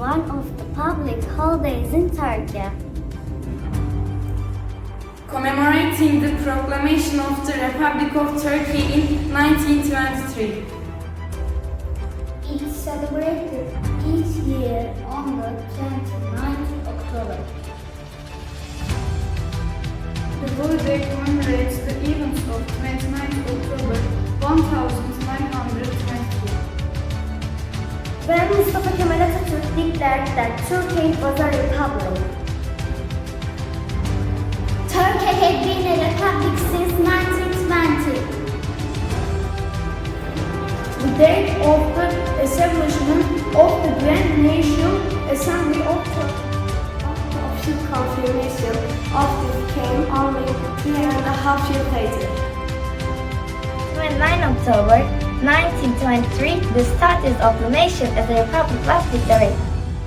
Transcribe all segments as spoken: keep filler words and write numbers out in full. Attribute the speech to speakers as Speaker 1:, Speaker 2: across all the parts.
Speaker 1: one of the public holidays in Turkey?
Speaker 2: Commemorating the proclamation of the Republic of Turkey in nineteen twenty-three.
Speaker 1: It is celebrated each year on the twenty-ninth of October.
Speaker 2: The holiday commemorates the events of twenty-ninth of October one thousand nine hundred twenty-two.
Speaker 1: When Mustafa Kemal Atatürk declared that Turkey was a republic. Turkey had been a republic since nineteen twenty. The date of the establishment of the Grand National Assembly of Turkey. The official confirmation of this came only three and a half years later.
Speaker 3: twenty-ninth of October nineteen twenty-three, the status of the nation as a republic was declared.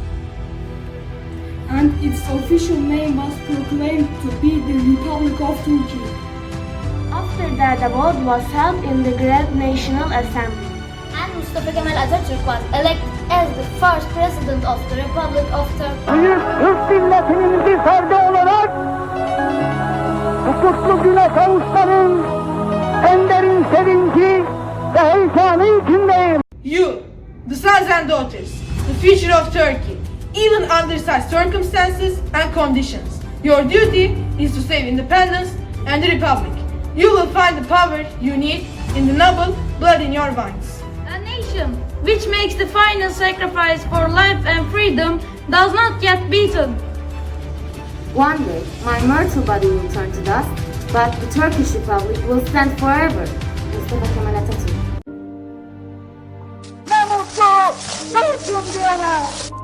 Speaker 2: And its official name was proclaimed to be the Republic of Turkey.
Speaker 1: After that, the vote was held in the Grand National Assembly. And Mustafa Kemal Atatürk was elected as the first president of the Republic of Turkey.
Speaker 4: Büyük Türk milletinin bir ferdi olarak bu kutlu güne kavuşmanın en derin sevinci ve heyecanı içindeyim.
Speaker 5: You, the sons and daughters, the future of Turkey, even under such circumstances and conditions, your duty is to save independence and the republic. You will find the power you need in the noble blood in your veins.
Speaker 2: A nation which makes the final sacrifice for life and freedom does not get beaten.
Speaker 6: One day, my mortal body will turn to dust, but the Turkish Republic will stand forever. Mustafa Kemal Atatürk.
Speaker 4: Ne mutlu Türk'üm diyene.